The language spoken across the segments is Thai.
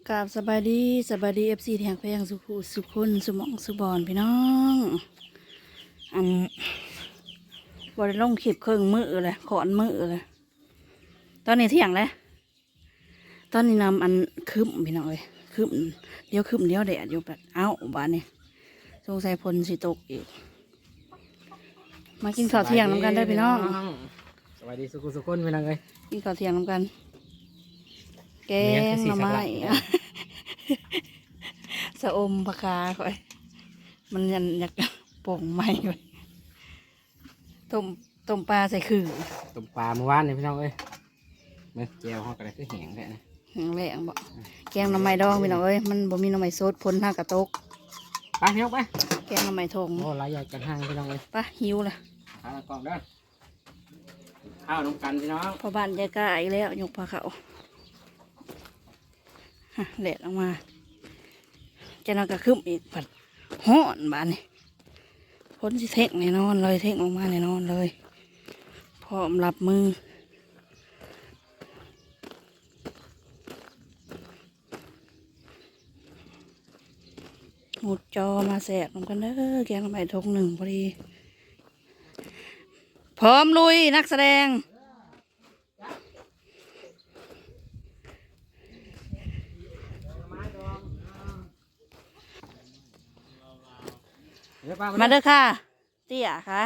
กราบสบายดีเอฟซีแทงแพงสุขุสุคนสุหมองสุบอนพี่น้องอันบริลงขีบเครื่องมือเลยขอนมือเลยตอนนี้เที่ยงแล้วตอนนี้นำอันคืมพี่น้องเลยคืมเดี๋ยวคืมเดี๋ยวแดดอยู่แบบเอ้าบ้านนี้สงสัยพลสิตกอีกมากินข้าวเที่ยงน้ำกันได้อพี่น้องสวัสดีสุขุนพี่น้องเอ้ยกินข้าวเที่ยงน้ำกัน แกงหน่อไม้ สะอมปลาคาค่อยมันยันอยากโป่งไม้ไว้ต้มปลาใส่ขื่อต้มปลาเมื่อวานนี่พี่น้องเอ้ยเมื่อแจวเขาก็ได้คือแห้งแท้นะแห้งแรงบ่แกงหน่อไม้ดองพี่น้องเอ้ยมันบ่มีหน่อไม้สดพ้นห้างกระตกไปพี่น้องไปแกงหน่อไม้ทงโอ้หลายอย่างกันห้างพี่น้องเอ้ยปะหิวละข้าวกล่องเด้อข้าวน้ำกันพี่น้องพอบ้านยายกล้าอีกแล้วยกปลาเขาฮะแหลดออกมาจะนอนกระคึมอีกผัดฮ้อนบ้านนี่พ้นสิเท่งแน่นอนเลยเท่งออกมาแน่นอนเลยพร้อมรับมือหมุดจอมาแสบลงกันเด้อแกงลงไปทงหนึ่งพอดีพร้อมลุยนักแสดงมาเด้อค่ะเตี้ยค่ะ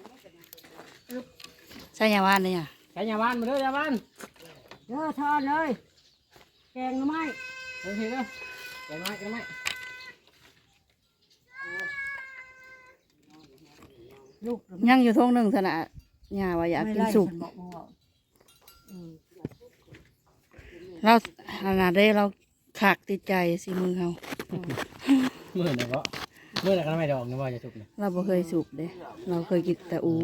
ใช่ยาวานเลยอ่ะใช้ยาบ้านมาเด้อยาบ้านเด้อทอนเลยแกงหน่อไม้เฮ้ยเด้อแกงไม้แกงไม้ลูกยังอยู่ทงหนึ่งสนะยาว่าอยากกินสุกฉับอกว่าอืมเราขนาดได้เราขากติดใจสิมือเขาเมื่อไหร่ก็เมื่อไหร่ก็ไม่ดอกนะว่าจะสุกเนี่ยเราบ่เคยสุกเด้เราเคยกินแต่อู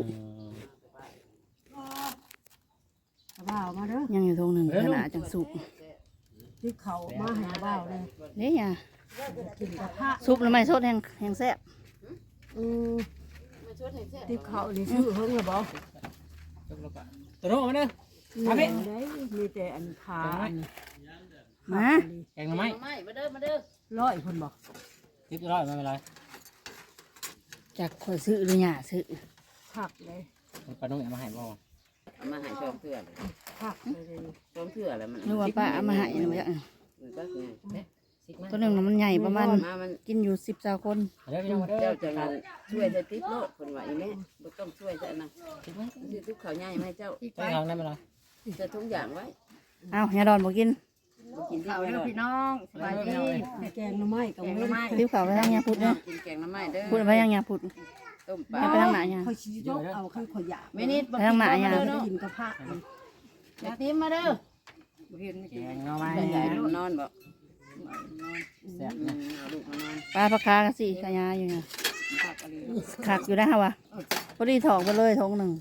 เอาบ่าวมาเด้อยังอยู่ทงหนึ่งขนาดจังสุกที่เขามาให้เอาบ่าวเลยเนี่ยกินกระทะซุปแล้วไม่สดแห้งแซ่บอืมที่เขานี่ซื้อเพิ่งหรือบ่ตัวโน้มาเด้อมาได้มีแต่อันขาอันมาแกงไม้ร้อยคนบอกติดร้อยไม่เป็นไรจากคอยซื้อหรือหยาซื้อผักเลยปลานุ่งเอามาให้บ่เอามาให้ชมเพื่อนผักเลยชมเพื่อนแล้วมันหรือว่าป้าเอามาให้นะว่ามันก็ไงตัวหนึ่งน่ะมันใหญ่ประมาณมามันกินอยู่10 คนเด้อพี่น้องมาเด้อเจ้าจะมาช่วยจะติ๊บโลดคนว่าอีแม่บ่ต้องช่วยจะนะซื้อทุกข้าวใหญ่มาให้เจ้าไปทางนั้นไปเลยจะทุกอย่างไว้เอ้าอย่าดอนบ่กินบ่กินที่เอาไม่เด้หอรอกพี่น้องสบายดีแกงหน่อไม้กับเว้นริ้วขาวไปทางยาพุดเนาะกินแกงน้ำไม้เด้อพูดไปทางยาพุดต้มปลาไปทางไหนอ่ะเขาชี้ยกเอาข้างขยะไม่นิดบ่ไปทางไหนอ่ะเด้อได้เนาะกินกระเพาะอยากติ๊บมาเด้อบ่เห็นไม่แกกินงเอาไม้ใหญ่นอนบ่แซ่บนะเอาลูกมานอนปลาปลาคากันสิขยาอยู่เนี่ยผักอะไรขักอยู่ได้ฮะวะพอดีถอกไปเลยทงหนึ่ง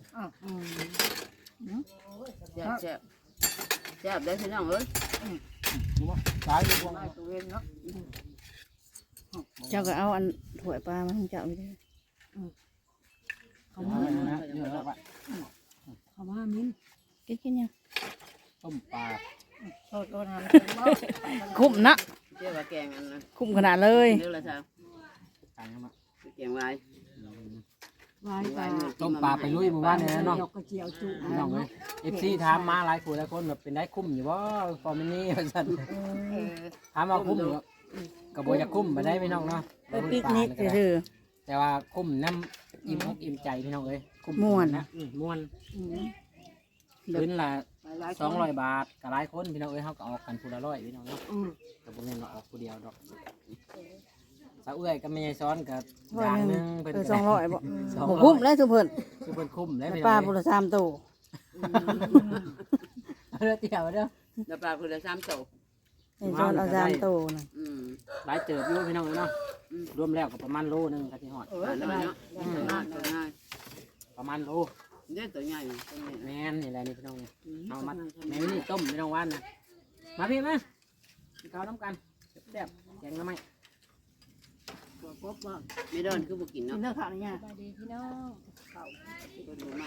แซ่บแซ่บแซ่บได้อพี่น้องเอ้ยตายอยู่บ่มาตัวเองเนาะเจ้าก็เอาอันถ้วยปลามาให้เจ้าไปเลยเขาเอามาไว้นะเดี๋ยวเราไปเขามามิ้นกินยังต้มปลาโทษโทษทำคุ้มนะเจ้าว่าแกงอันนั้นคุ้มขนาดเลยเด้อละจ้าตายแล้วมาแกงไว้ไว้ปลาต้มปลาไปลุยหมู่บ้านเนี่ยน้องดอกกระเจียวจุน้องเลยFC ถามมาหลายคนหลายคนแบบเป็นได้คุ้มอยู่บ่ฟอร์มินี่ว่าซั่นเออถามว่าคุ้มอยู่ก็บ่อยากคุ้มบ่ได้พี่น้องเนาะไปปิกนิกเด้อแต่ว่าคุ้มน้ำอิ่มอกอิ่มใจพี่น้องเอ้ยคุ้มม่วนนะม่วนคืนละ200 บาทก็หลายคนพี่น้องเอ้ยเฮาก็ออกกันผู้ละ100พี่น้องเนาะก็บ่แม่นว่าออกผู้เดียวดอกสาวเอื้อยก็ไม่ใช่ซ้อนกับอย่างหนึงเพิ่นก็ 200บ่ 200 บ่คุ้มเลยทุกเพิ่นคือเพิ่นคุ้มแล้วปลาบุร3ตัวเด้อเตี่ยวเด้อแล้วปลาคือละ3โตไอ้จอนเอา3ตัวน่ะอืมหลายเติบอยู่พี่น้องเอ้ยเนาะรวมแล้วก็ประมาณโลนึงก็สิฮอดปลาน้อยเนาะตัวง่ายประมาณโลเด้อตัวใหญ่ตัวนี้แม่นนี่แหละนี่พี่น้องนี่เอามาแม่นี่ต้มพี่น้องว่านนะมาพี่มากินข้าวน้ำกันแซ่บๆแกงหน้ำไม้ตัวกบว่าไม่โดนคือบ่กินกินเนาะเด้อข้าวนี่ย่าตัวดูมาก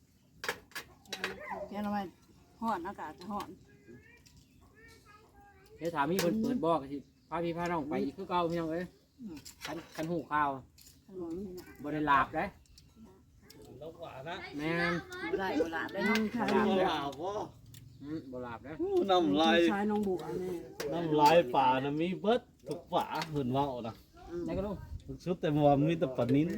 แกงเอาไว้ฮ้อนอากาศจะฮ้อนเดี๋ยวถามมีคนเปิดบอกสิพาพี่พาน้องไปอีกคือเก่าพี่น้องเอ้ยคันหูข้าวบ่ได้หลาบเด้แม่นบ่ได้บ่ลาได้เนาะบ่หลาบเด้บ่หลาบเด้น้ำลายชายน้องบัวแม่น้ำลายป่านะมีเบิดทุกป่าเหินเว่านะได้ก็ลูกชุดแต่ว่ามีแต่ปลานิ้น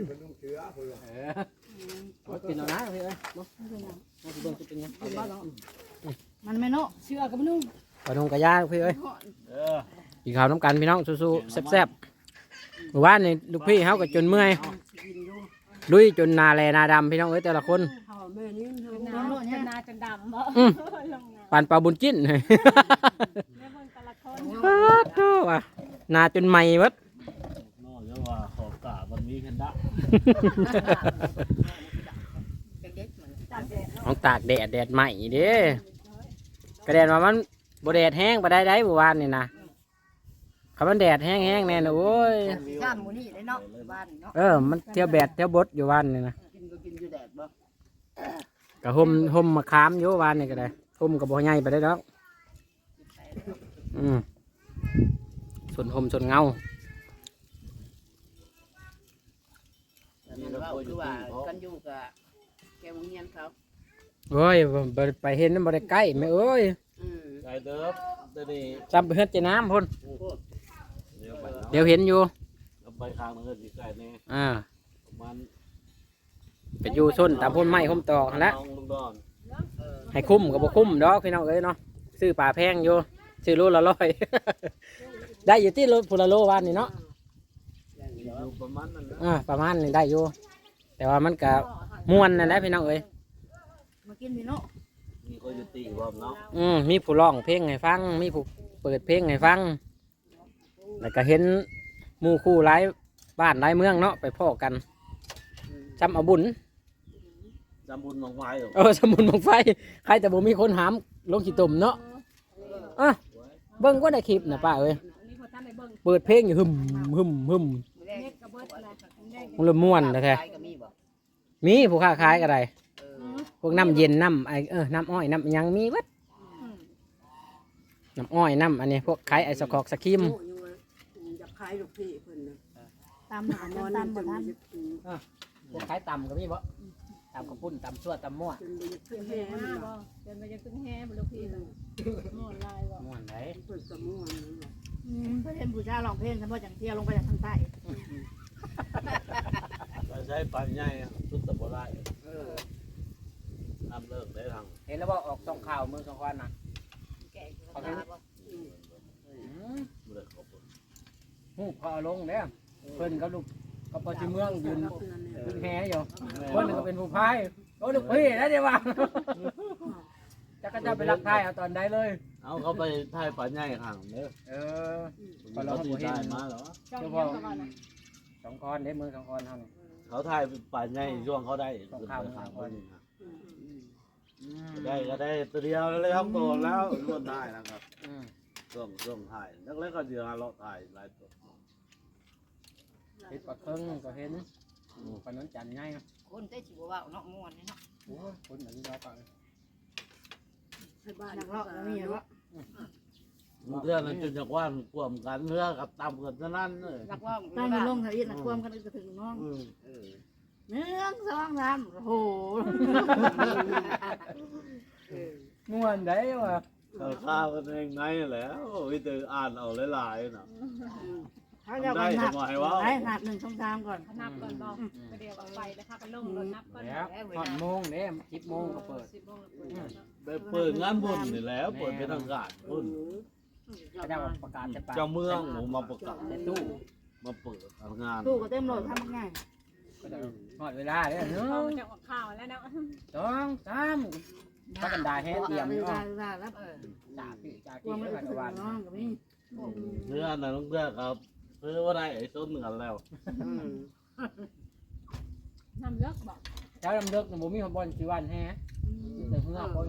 เอากินเอานะพี่เอ้ยบ่เอาสิเบิ่งสิเป็นหยังมันไม่เนาะเชื่อกับนุ่งปลาดงกะย่างพี่เอ้ยเออกินข้าวน้ำกันพี่น้องสู้ๆแซ่บๆเมื่อวานนี่ลูกพี่เฮาก็จนเมื่อยลุยจนนาแลนาดำพี่น้องเอ้ยแต่ละคนเขาแม่นี่เธอน้ำโลดเนี่ยนาจนดำบ่อืมปานปลาบุญจิ้นแม่เบิ่งแต่ละคนโธ่ว่ะนาจนใหม่เบิดนอกจากว่าขอบกามันมีแพนด้าเด็กๆมันต้องตากแดดใหม่เด้กระแดดว่ามันบ่แดดแห้งบ่ได้ได้บ่วานนี่นะคำมันแดดแห้งๆแน่นะโอ้ยย่ามหมูนี่ได้เนาะบ้านเนาะมันเที่ยวแบดเที่ยวบดอยู่วานนี่นะกินก็กินอยู่แดดบ่ก็ห่มมะขามอยู่วานนี่ก็ได้ห่มก็บ่ใหญ่ไปได้ดอกส่วนห่มส่วนเงานั่นว่าคือว่ากันอยู่กับแกวงเงียนเขาโอ้ยบ่ไปเห็นมันบ่ได้ใกล้แม่เอ้ยไก่เดิบเดี๋ยวนี้จำไปเฮ็ดเจน้ำพุ่นเดี๋ยวไปเนาะเดี๋ยวเห็นอยู่เอาไปข้างนึงก็สิไก่แน่ประมันไปอยู่ส้นตามพุ่นไม้พุ่มตอกนั่นแหละน้องลุงดอนให้คุ้มก็บ่คุ้มดอกพี่น้องเอ้ยเนาะซื้อปลาแพงอยู่ซื้อโลละ100 ได้อยู่ที่โลพุละโลวานนี่เนาะอยู่ประมาณนั้นนะประมาณนี้ได้อยู่แต่ว่ามันก็ม่วนนั่นแหละพี่น้องเอ้ยมากินพี่เนาะมีคนอยู่ตีบ่เนาะมีผู้ร้องเพลงให้ฟังมีผู้เปิดเพลงให้ฟังแล้วก็เห็นหมู่คู่หลายบ้านหลายเมืองเนาะไปพ้อกันจำเอาบุญจำบุญหนองไม้เหรอสมุนบังไฟใครแต่บ่มีคนหามลงขี้ตุ่มเนาะเบิ่งก็ได้คลิปนะป้าเอ้ยนี่พอท่านได้เบิ่งเปิดเพลงอยู่หึมเน็ตกับเบิดอะไรแดงมันละม่วนแท้ก็มีบ่ๆมีผู้ค้าขายก็ได้เออพวกน้ำเย็นน้ำน้ำอ้อยน้ำหยังมีเบิดน้ำอ้อยน้ำอันนี้พวกขายไอศครอกสครีมอยากขายลูกพี่เพิ่นน่ะตามหาตามบ่ทันพวกขายต่ำก็มีบ่ต่ำกระปุ้นต่ำชั่วต่ำมั่วขึ้นแห่มันบ่เดินไปจะขึ้นแห่บ่ลูกพี่น่ะม่วนลายบ่ม่วนไหนเพิ่นก็ม่วนเพื่อนผู้ชายร้องเพลงฉันว่าจังเที่ยวลงไปจากทางใต้ไปใช้ปลาใหญ่ชุดตะบ่ได้เออน้ำเลิกได้ทางเห็นแล้วบ่ออกส่องข่าวมือสองควันนะแกะก็ได้บ่บ่ได้ขอบคุณหูพอลงเด้อเพิ่นกับลูกกับปชิเมืองยืนยืนแฮอยู่เพิ่นก็เป็นผู้พายโอ้ลูกพี่นะเดี๋ยวว่าจะก็จะไปรักทายเอาตอนใดเลยเอาเขาไปถ่ายปลาใหญ่ข้างเด้อเราบ่เห็นได้มาเหรอจ้องเยี่ยมกันน่ะสองคอนเด้มือสองคอนเท่านี้เขาถ่ายปลาใหญ่ช่วงเขาได้ต้องข้ามข้างข้ามได้ก็ได้ตัวเดียวแล้วครับตัวแล้วรวดได้นะครับช่วงถ่ายแล้วก็เดี๋ยวเราถ่ายหลายตัวเห็นปลาเคิงก็เห็นปลาน้นจันง่ายนะคนได้สิบ่ว่าเนาะม่วนเนาะโอ้คนเหมือนเราปลาให้บ้านนักเลาะก็มีเนาะเรื่องนั้นจนจากว่าขวมกันเนื้อกับตำกันเท่านั้นเลยรักว่าตั้งอยู่ลงทะเลนะความกันก็ถึงน้องเออ 1 2 3โอ้โหม่วนได้ว่ะเขาข้าวกันเองไงแล้ววิธีอ่านเอาหลายๆนะเขาจะมานับได้นับ1 2 3ก่อนนับก่อนบ่ไปเดียวเอาไปแล้วค่ะก็ลงรถนับก่อนแล้วหอดโมงเด้10 โมงก็เปิด 10 โมงเปิดเนาะไปเปิดงานบุญนี่แหล้วเปิดเป็นทางการบุญเขาจะประกาศจะปลาเจ้าเมืองผมมาประกาศในตู้มาเปิดงานตู้ก็เต็มโหลดทำง่ายก็จะหอดเวลาเด้อเขาจะออกข่าวแล้วเนาะ 1 2 3พักกันดาแฮเตรียมเวอยู่ลาแล้วเออจ่าพี่จ่าควากี้มให้รู้ผ่านสึกวันน้องก็มีเนื้อน่ะต้องเลือกครับเพื่อว่าได้ไอ้ต้นกันแล้วน้ำเลือกบอกเจ้าดำเลิกผมมีคนบอลชีวันแฮแต่เพื่อคน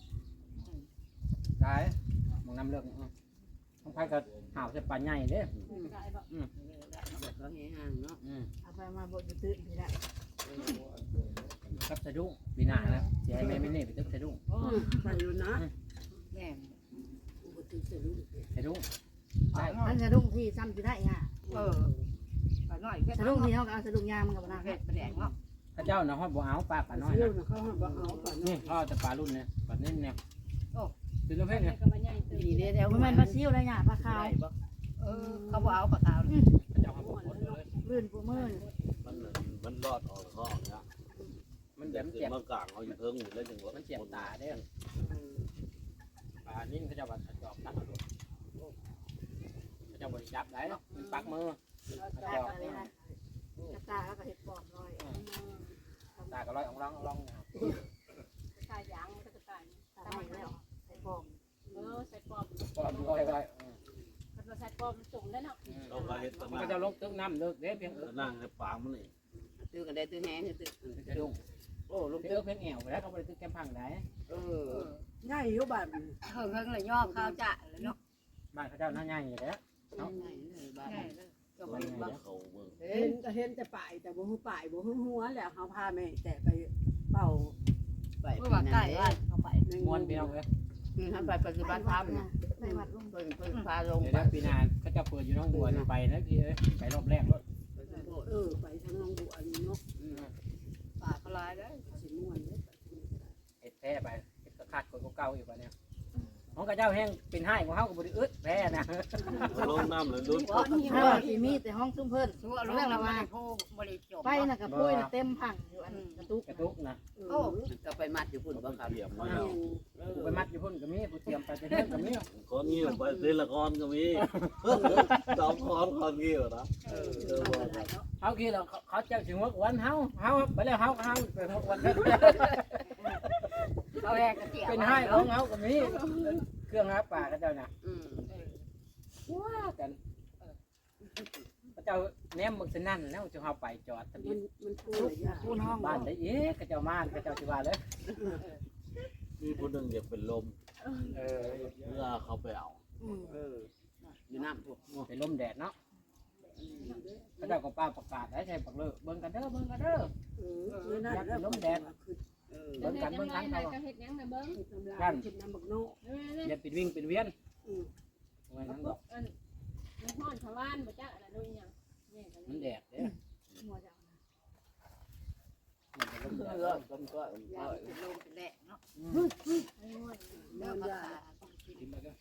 ได้มึงนำเลิกต้องไปกับหาวจะปลาใหญ่เด้ได้บอกเขาเฮห่างเนาะเอาไปมาบดตื่นทีละครับสะดุ้งปีหน้านะเสียให้แม่ไม่เน่ไปตึกสะดุ้งไปอยู่นะแม่คือเสือลูกไอ้ดุ้งได้มันสะดุ้งที่ซ้ำสิได้ฮะปลาน้อยแค่สะดุ้งที่เฮาก็เอาสะดุ้งยางมันก็บ่น่าเผ็ดปลาแดงเนาะข้าเจ้าน่ะฮอดบ่เอาปลาปลาน้อยเสือนะเขาบ่เอาปลาน้อนี่ยพ่อจะปลารุ่นเนี่ยปลาเน้นเนี่ยเป็นประเภทเนี่ยดีเด้แถวบ่แม่นปลาซิวได้หยาปลาขาวเขาบ่เอาปลาขาวข้าเจ้าฮอดบ่หมดเลยลื่นปูมืนมันรอดออกข้อเนี่ยมันเจ็บเมื่อกลางเขาอยู่เพิ่งอยู่แล้วจังหวะมันเจ็บตาเด้อปลานิ่นข้าเจ้าว่าจอบตักเอาลูกข้าเจ้าบ่ได้จับได้มันปักมือข้าตาเจ้าก็เลยนะกระตาแล้วก็เห็ดปอบลอยตาก็ร้อยอ่องร้องตายยางมันก็จะตายตาไม่แล้วใส่ปอบใส่ปอมก็ร้อยมันมาใส่ปอมจุ่มได้เนาะเราก็เห็ดตะมันนั่ก็งจะลงตึกน้ำเลิกเด้เพียงนั่งในปากมันนี่ตื้อกันได้ตื้อแห้งตื้อจะดุ้งโอ้ลูกเลิกเพียงแอวไปแล้วเขาบ่ได้ตึกแคมพังได้ง่ายอยู่บ้านเฮิงเลยย่อข้าวจะเลยเนาะบ้านเขาเจ้าน่าใหญ่อยู่แล้วบ้านก็มันเขาเบิ่งเห็นแต่ป่ายแต่บ่ฮู้ป่ายบ่ฮู้หัวแล้วเขาพาแม่แต่ไปเป่าไปเมื่อวานใกล้บ้านเขาไปม้วนเพียงเลยคือท่านไปปฏิบัติธรรมนะในวัดลุงเพิ่นพาลงเดี๋ยวไปปีนาเขาจะเปิดอยู่น้องบัวไปนะพี่เอ้ยไปรอบแรกรถไปทางน้องบัวนี่เนาะป่าเขาลายได้สิม่วนเด้เอ็ดแพ้ไปเอ็ดกระคัดคนเก่าอีกวะเนี่ยของกระเจ้าแห้งเป็นให้ของเขากับบริอึดแพ้นะลงน้ำเลยลุ้นเฮาสิมีแต่ห้องซุ้มเพิ่นชั่วเรื่องละว่าผู้บริจบไปน่ะกับปุ้ยน่ะเต็มผังอยู่อันกระตุกกระตุกนะโอ้ก็ไปมัดอยู่พุ่นบ่ครับเทียมมากูไปมัดอยู่พุ่นกับมีกูเตรียมไปจะเที่ยงกับมีคนงี้ไปเล่นละครก็มีสองคนงี้นะเขาคิดเราเขาเจ้าถึงวันเฮาไปแล้วเฮาไปวันเขาแรกกระเจียวเป็นให้ของเฮากับมีเครื่องหาป่ากระเจ้าน่ะว่ากันกระเจ้าแนมมึงสนั่นแล้วจะเฮาไปจอดทะเบียนมันพูดยากปูนห้องบ้านได้เอ๊ะกระเจ้ามานกระเจ้าสิว่าเลยมีคนหนึ่งเดี๋ยวเป็นลมเมื่อเขาไปเอาอยู่น้ำพวกไปลมแดดเนาะกระเจ้าก็ป้าประกาศได้ใช่ปักเลยเบิ่งกันเด้อเบิ่งกันเด้อนั่นแล้วเบิ่งกันเบิ่งกันเขาก็เฮ็ดยังนะเบิ้งกันกินน้ำบักโนอย่าปิดวิ่งปิดเวียนไว้นั้นก็มันห้อนชาวบ้านบ่จักอะไรนู่นยังนี่กันมันแดดเด้อหัวจะมันจะลมแดดเลิกต้มก็ยาเป็นลมเป็นแหลกเนาะเนื้อภาได้ษากินไปก็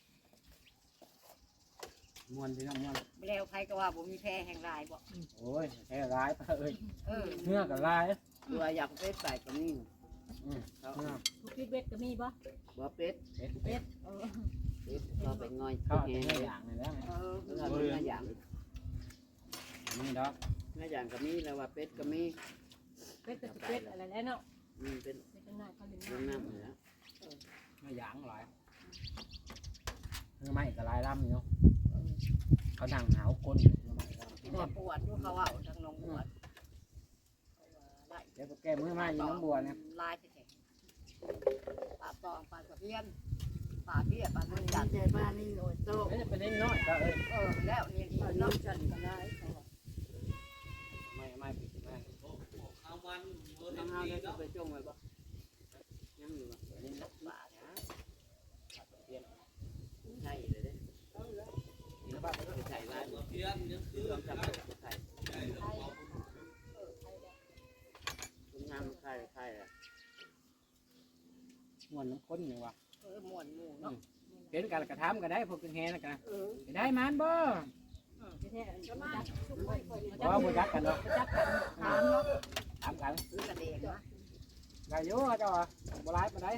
ม่วนพี่น้องม่วนแล้วใครก็ว่าบ่มีแพ้แห่งลายบ่โอ้ยแค่ร้ายไปเอ้ยเออเนื้อกับลายตัวอยากเป็ดใส่กับนี่เนื้อทุกพิษเบ็ดก็มีบ่บ่เป็ดเป็ดเป็ดเออเป็ดก็ไปง่อยข้าวแห้เนื้งอเลยอย่างนี่แล้วเออเนื้ออย่างนี่ดอกเนื้ออย่างก็มีแล้วว่าเป็ดก็มีเป็ดก็สิเป็ดอะไรแล้วเนาะเป็นเป็ดจังได๋เขาเล่นน้ำน้ำน้ำแล้วเนื้ออย่างหลายเนื้อไม้กับลายลำเนาะเขาดังหาวก้นเนื้อไม้กินแต่ปวดอยู่เขาเอาทางน้องปวดได้เดี๋ยวก็แก้มือไม้อยู่น้องบัวเนี่ยลายแท้ๆปลาตองปลาตะเพียนปลาเบี้ยปลาอันุ่นนนี้จัดใจบ้านนี่โอ้ยโตไม่จะเป็นนิดน้อยก็เอ้ยแล้วนี่น้ำจันก็ได้ไม่ปิดไม่เอามันน้ำห้าวได้ไปจงไว้บ่ยังอยู่บ่นี่นะป่านะเปลี่ยนใช่เลยเด้นี่นะบ้านใส่ไว้เพี้ยนยังคือต้องจับใส่คุณงามใครใครอ่ะม้วนน้ำข้นอย่างวะม่วนหมู่เนาะเห็นกันกระทำกันได้พวกกินแฮนะกันได้มันบ่แท้ๆจะมาชุบไว้ก่อนบ่บ่จักกันเนาะจักกันถามเนาะถามกันซื้อกระเดงนะได้อยู่เจ้าบ่ร้ายปานใด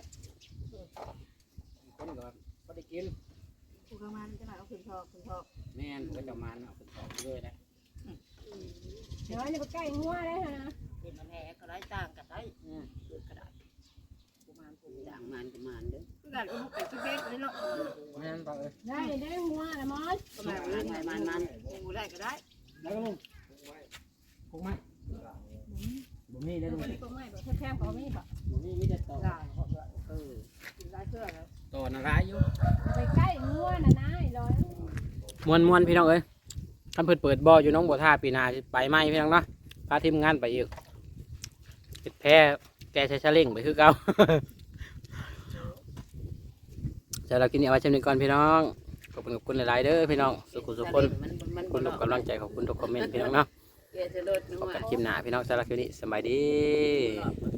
คนก็บ่ได้กินผู้เข้ามาจะมาเอาขึ้นทอกขึ้นทอกแม่นก็จะมาเอาไปต่อเลยนะเดี๋ยวจะไปใกล้งัวได้ฮะเป็นแหน่ก็ได้ต่างกันได้เกิดกระดาษประมาณผมด่างมันก็มันเด้อคือกันอุ้มไปที่เบ็ดเลยเนาะแม่นบ่เอ้ยได้ได้งัวนะมอสก็มันมันงูได้ก็ได้แล้วก็ลุงคงไหมบ่มีได้ลุงตัวไม่แบบแคบๆเขาไม่แบบบ่มีแต่ต่อกินได้เชื่อแล้วต่อน่ะร้ายอยู่ไปใกล้งัวนะนายร้อยมวนพี่น้องเอ้ยท่านเพิ่นเปิดบ่ออยู่น้องบัวท่าปีหน้าสิไปไหมพี่น้องเนาะพาทีมงานไปอีกติดแพ้แกใช้ชะเล่งไปคือเก่าจะเรากินเอาไว้จำหนึ่งก่อนพี่น้องขอบคุณหลายๆเด้อพี่น้องสุขุสุขคนขอบคุณทุกกำลังใจขอบคุณทุกคอมเมนต์พี่น้องเนาะแกจะลดพบกันคลิปหน้าพี่น้องสำหรับคลิปนี้สบายดีครับ